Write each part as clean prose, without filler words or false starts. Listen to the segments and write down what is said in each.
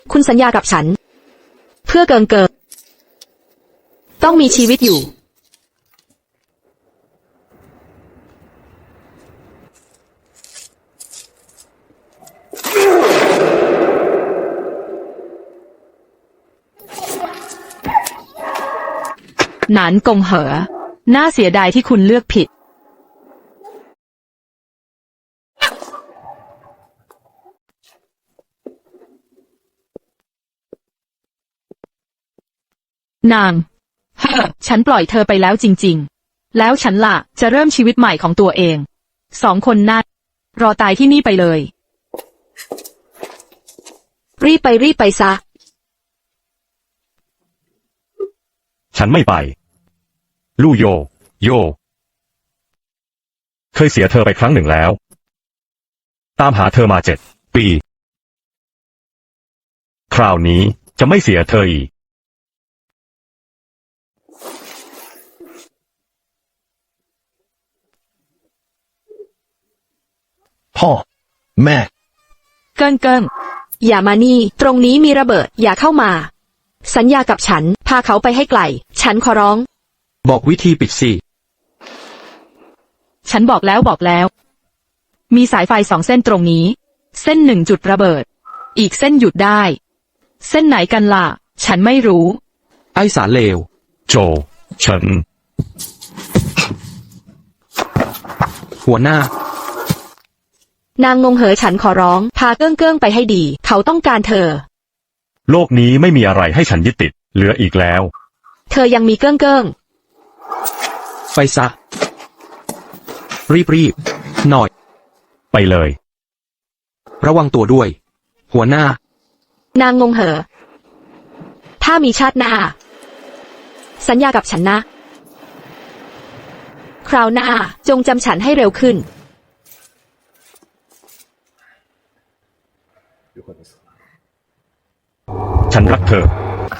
คุณสัญญากับฉัน เพื่อเกิงต้องมีชีวิตอยู่หนานกงเหอน่าเสียดายที่คุณเลือกผิดนาง ฉันปล่อยเธอไปแล้วจริงๆแล้วฉันล่ะจะเริ่มชีวิตใหม่ของตัวเอง2 คนนั่นรอตายที่นี่ไปเลยรีบไปซะฉันไม่ไปลู่โยเคยเสียเธอไปครั้งหนึ่งแล้วตามหาเธอมา7 ปีคราวนี้จะไม่เสียเธออีกพ่อแม่เกิ้งอย่ามานี่ตรงนี้มีระเบิดอย่าเข้ามาสัญญากับฉันพาเขาไปให้ไกลฉันขอร้องบอกวิธีปิดสิฉันบอกแล้วมีสายไฟ2 เส้นตรงนี้เส้น1จุดระเบิดอีกเส้นหยุดได้เส้นไหนกันล่ะฉันไม่รู้ไอ้สารเลวโจฉันหัวหน้านางงงเหอฉันขอร้องพาเกิ้งไปให้ดีเขาต้องการเธอโลกนี้ไม่มีอะไรให้ฉันยึดติดเหลืออีกแล้วเธอยังมีเกิ้งไปซะรีบหน่อยไปเลยระวังตัวด้วยหัวหน้านางงงเหอถ้ามีชาติหน้าสัญญากับฉันนะคราวหน้าจงจำฉันให้เร็วขึ้นฉันรักเธอ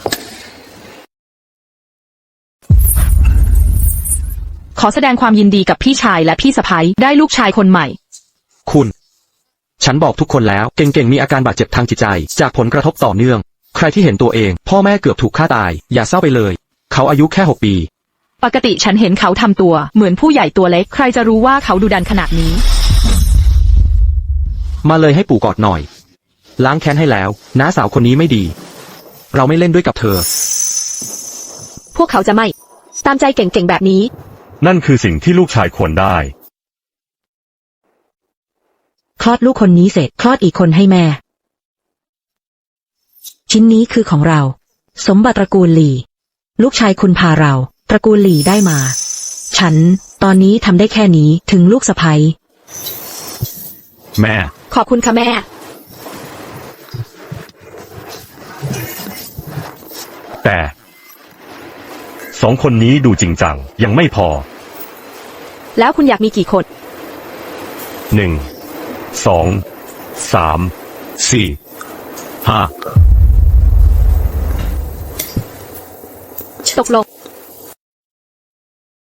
ขอแสดงความยินดีกับพี่ชายและพี่สะใภ้ได้ลูกชายคนใหม่คุณฉันบอกทุกคนแล้วเก่งมีอาการบาดเจ็บทางจิตใจจากผลกระทบต่อเนื่องใครที่เห็นตัวเองพ่อแม่เกือบถูกฆ่าตายอย่าเศร้าไปเลยเขาอายุแค่6 ปีปกติฉันเห็นเขาทำตัวเหมือนผู้ใหญ่ตัวเล็กใครจะรู้ว่าเขาดุดันขนาดนี้มาเลยให้ปู่กอดหน่อยล้างแค้นให้แล้วน้าสาวคนนี้ไม่ดีเราไม่เล่นด้วยกับเธอพวกเขาจะไม่ตามใจเก่งแบบนี้นั่นคือสิ่งที่ลูกชายควรได้คลอดลูกคนนี้เสร็จคลอดอีกคนให้แม่ชิ้นนี้คือของเราสมบัติตระกูลหลี่ลูกชายคุณพาเราตระกูลหลี่ได้มาฉันตอนนี้ทำได้แค่นี้ถึงลูกสะใภ้แม่ขอบคุณค่ะแม่แต่2 คนนี้ดูจริงจังยังไม่พอแล้วคุณอยากมีกี่คน 1 2 3 4 5 ตกลง